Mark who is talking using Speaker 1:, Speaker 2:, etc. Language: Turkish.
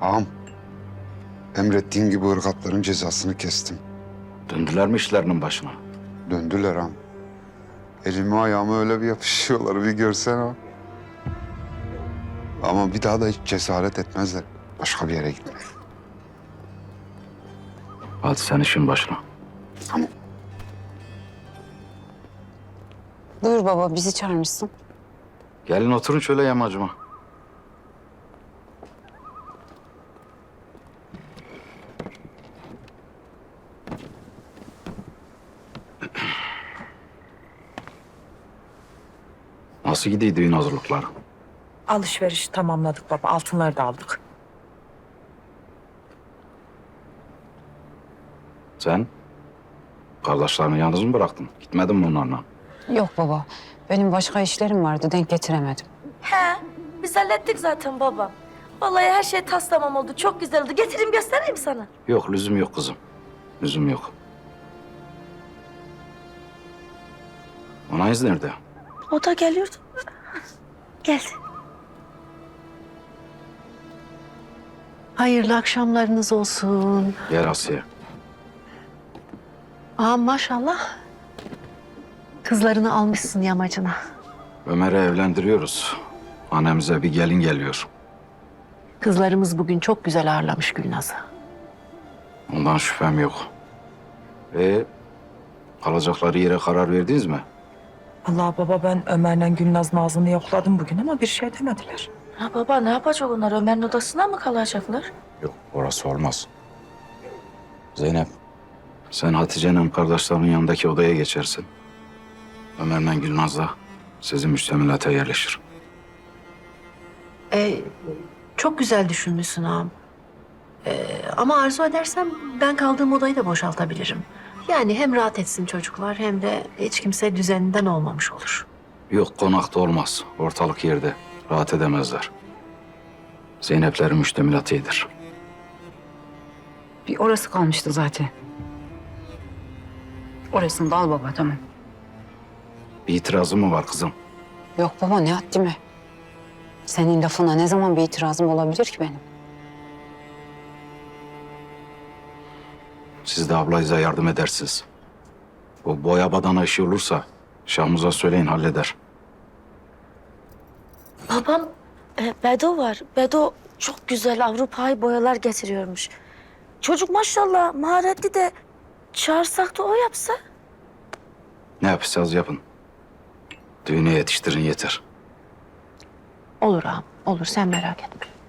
Speaker 1: Ağam, emrettiğin gibi ırgatların cezasını kestim.
Speaker 2: Döndüler mi işlerinin başına?
Speaker 1: Döndüler ağam. Elimi ayağımı öyle bir yapışıyorlar, bir görsen ağam. Ama bir daha da hiç cesaret etmezler başka bir yere gitmeye.
Speaker 2: Hadi sen işin başına.
Speaker 1: Tamam.
Speaker 3: Buyur baba, bizi çağırmışsın.
Speaker 2: Gelin oturun şöyle yamacıma. Nasıl gidiyor düğün hazırlıkları?
Speaker 4: Alışveriş tamamladık baba. Altınları da aldık.
Speaker 2: Sen kardeşlerini yalnız mı bıraktın? Gitmedin mi onlarla?
Speaker 3: Yok baba, benim başka işlerim vardı, denk getiremedim.
Speaker 5: He, biz hallettik zaten baba. Vallahi her şey tas tamam oldu. Çok güzel oldu. Getireyim göstereyim sana.
Speaker 2: Yok, lüzum yok kızım. Lüzum yok. Anayız nerede?
Speaker 5: O da geliyordu. Geldi.
Speaker 6: Hayırlı akşamlarınız olsun.
Speaker 2: Gel Asiye.
Speaker 6: Aa maşallah. Kızlarını almışsın yamacına.
Speaker 2: Ömer'i evlendiriyoruz. Annemize bir gelin geliyor.
Speaker 6: Kızlarımız bugün çok güzel ağırlamış Gülnaz'ı.
Speaker 2: Ondan şüphem yok. Kalacakları yere karar verdiniz mi?
Speaker 4: Allah baba, ben Ömer'le Gülnaz'ın ağzını yokladım bugün ama bir şey demediler.
Speaker 5: Ha baba, ne yapacak onlar? Ömer'in odasına mı kalacaklar?
Speaker 2: Yok, orası olmaz. Zeynep, sen Hatice'nin kardeşlerinin yanındaki odaya geçersin. Ömer'le Gülnaz da sizin müştemilata yerleşir.
Speaker 6: Çok güzel düşünmüşsün ağam. Ama arzu edersem ben kaldığım odayı da boşaltabilirim. Yani hem rahat etsin çocuklar hem de hiç kimse düzeninden olmamış olur.
Speaker 2: Yok, konakta olmaz. Ortalık yerde. Rahat edemezler. Zeynep'lerin müştemilatı iyidir.
Speaker 3: Bir orası kalmıştı zaten. Orasını da al baba, tamam.
Speaker 2: Bir itirazın mı var kızım?
Speaker 3: Yok baba, ne haddime. Senin lafına ne zaman bir itirazım olabilir ki benim?
Speaker 2: Siz de ablayıza yardım edersiniz. O boya badana işi olursa Şahmuz'a söyleyin, halleder.
Speaker 5: Babam, Bedo var. Bedo çok güzel Avrupa'yı boyalar getiriyormuş. Çocuk maşallah maharetli de çağırsak da o yapsa.
Speaker 2: Ne yapacağız yapın. Düğüne yetiştirin yeter.
Speaker 6: Olur ağam, olur sen merak etme.